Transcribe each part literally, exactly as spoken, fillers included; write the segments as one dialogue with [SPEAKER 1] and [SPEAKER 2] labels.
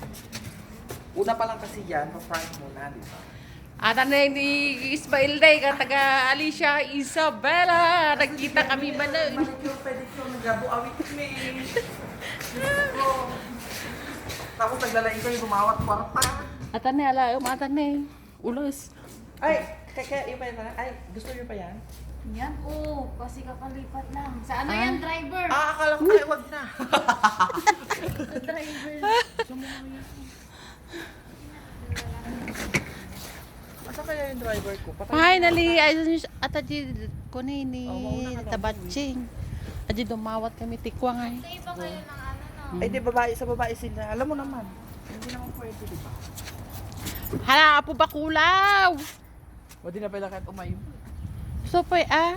[SPEAKER 1] Una pa lang kasi yan, pa-prank muna, di ba?
[SPEAKER 2] At ano yung ni Ismail Day, taga Alicia Isabela. Nagkita kami ba na?
[SPEAKER 1] Manicure, pedicure, nagabo, awit kami. Diyos ko. Tapos naglalain ko yung bumawat kwarta.
[SPEAKER 2] At ano ala, umatan na eh. Ulos.
[SPEAKER 1] Ay, kaya, kaya yung pa yan. Ay, gusto niyo pa yan?
[SPEAKER 3] Yan, oo. Kasi kakalipat lang. Sa ano yan, driver?
[SPEAKER 1] Ah, akala ko kayo, wag na.
[SPEAKER 3] Sa driver.
[SPEAKER 1] Asa kaya yung driver ko? Patay.
[SPEAKER 2] Finally, ayun at aji ko na
[SPEAKER 1] Oh, mauna
[SPEAKER 2] ini
[SPEAKER 1] ka daw.
[SPEAKER 2] tabatching. Aji dumawat kami tikwa nga. eh.
[SPEAKER 3] Iba kayo ng ano, no?
[SPEAKER 1] Ay, di babae sa babae sila. Alam mo naman. Hindi naman pwede, di ba?
[SPEAKER 2] Hala, apo bakulaw.
[SPEAKER 1] O, di na pala kahit umayo.
[SPEAKER 2] So po ah.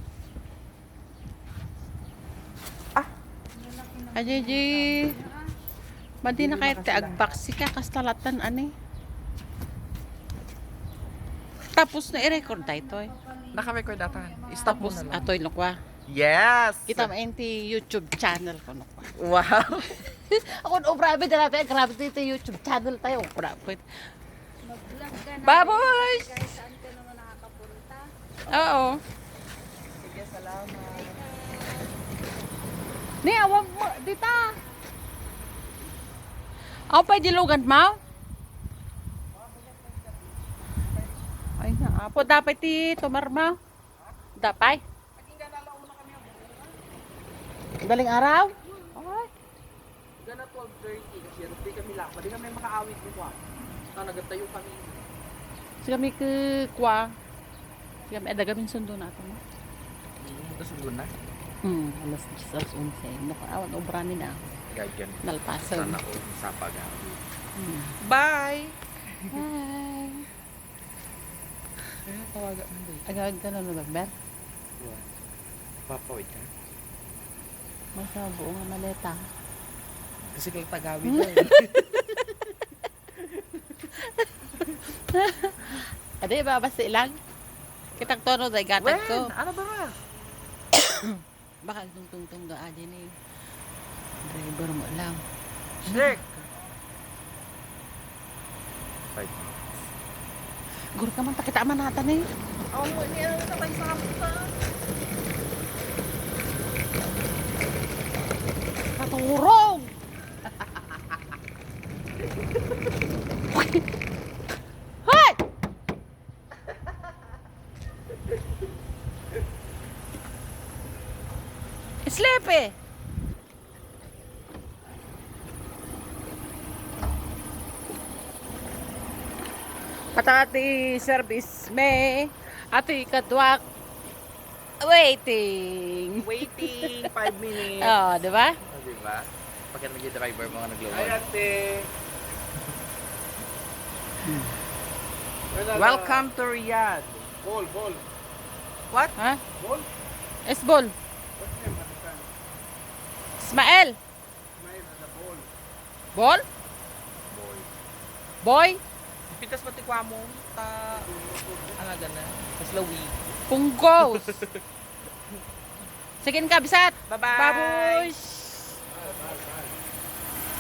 [SPEAKER 1] Ah,
[SPEAKER 2] Aji ji. Madi na kahit agbaksi ka kastalatan ani. Tapos na i-record tayo to eh.
[SPEAKER 1] naka-record atan. Stop mo
[SPEAKER 2] Tapos
[SPEAKER 1] na lang.
[SPEAKER 2] atoy nukwa.
[SPEAKER 1] Yes!
[SPEAKER 2] Kita mo enti YouTube channel ko nukwa.
[SPEAKER 1] Wow!
[SPEAKER 2] Ako no grabe na natin, grabe dito YouTube channel tayo. Grabe.
[SPEAKER 3] Mag-vlog ka na.
[SPEAKER 2] Baboy!
[SPEAKER 3] Kahit saan ka naman nakakapunta.
[SPEAKER 2] Oo.
[SPEAKER 1] Sige, salamat.
[SPEAKER 2] Ni awag mo dita. Ako pa dilugan mo? Ay na apo dapat ti tumar mo. Dapay. Galing araw? Ay.
[SPEAKER 1] Gana twelve thirty kasi rupi kami lang. Pwede kami makaawit mo kwa. Na nagatayo kami.
[SPEAKER 2] Sige kami ke kwa. Sige kami ada gamin sundo nato mo.
[SPEAKER 1] Ito sundo na.
[SPEAKER 2] Hmm, alas diyes, alas onse. Nakaawan obrani na.
[SPEAKER 1] Gagyan.
[SPEAKER 2] Nalpasan.
[SPEAKER 1] Sana ko sa pag-aawit.
[SPEAKER 2] Hmm.
[SPEAKER 1] Bye!
[SPEAKER 2] Hi.
[SPEAKER 1] Kaya tawagan mo dito.
[SPEAKER 2] Agad ka na nagber.
[SPEAKER 1] Papawid ka.
[SPEAKER 2] Masa buong nga maleta.
[SPEAKER 1] Kasi kung tagawid na
[SPEAKER 2] Ade ba basta ilang? Kitang tono day gatag ko.
[SPEAKER 1] Ano ba nga?
[SPEAKER 2] Baka tungtungtung do aja ni. Driver mo lang.
[SPEAKER 1] Check! Five.
[SPEAKER 2] Gur ka man takita man nata ni.
[SPEAKER 1] Oh, hindi ano na tayo sa kaputa.
[SPEAKER 2] Katurong. Hoy! Sleepy. Patati service me. Ati kadwak. Waiting.
[SPEAKER 1] Waiting, five minutes.
[SPEAKER 2] Oh, di ba?
[SPEAKER 1] Oh, diba? Pagka nag-driver mga nagluwag.
[SPEAKER 4] Ay, ate.
[SPEAKER 1] Welcome to Riyadh.
[SPEAKER 4] Ball, ball.
[SPEAKER 1] What?
[SPEAKER 2] Ha?
[SPEAKER 4] Ball?
[SPEAKER 2] Esbol.
[SPEAKER 4] What's name at the time?
[SPEAKER 2] Ismael.
[SPEAKER 4] Smile at the ball.
[SPEAKER 2] Bol?
[SPEAKER 1] Boy.
[SPEAKER 2] Boy?
[SPEAKER 1] Pitas pati kwa mo. Ta... Ano gana? Sa Slawi.
[SPEAKER 2] Punggos. Sige ka, bisat.
[SPEAKER 1] Bye-bye!
[SPEAKER 2] Babush.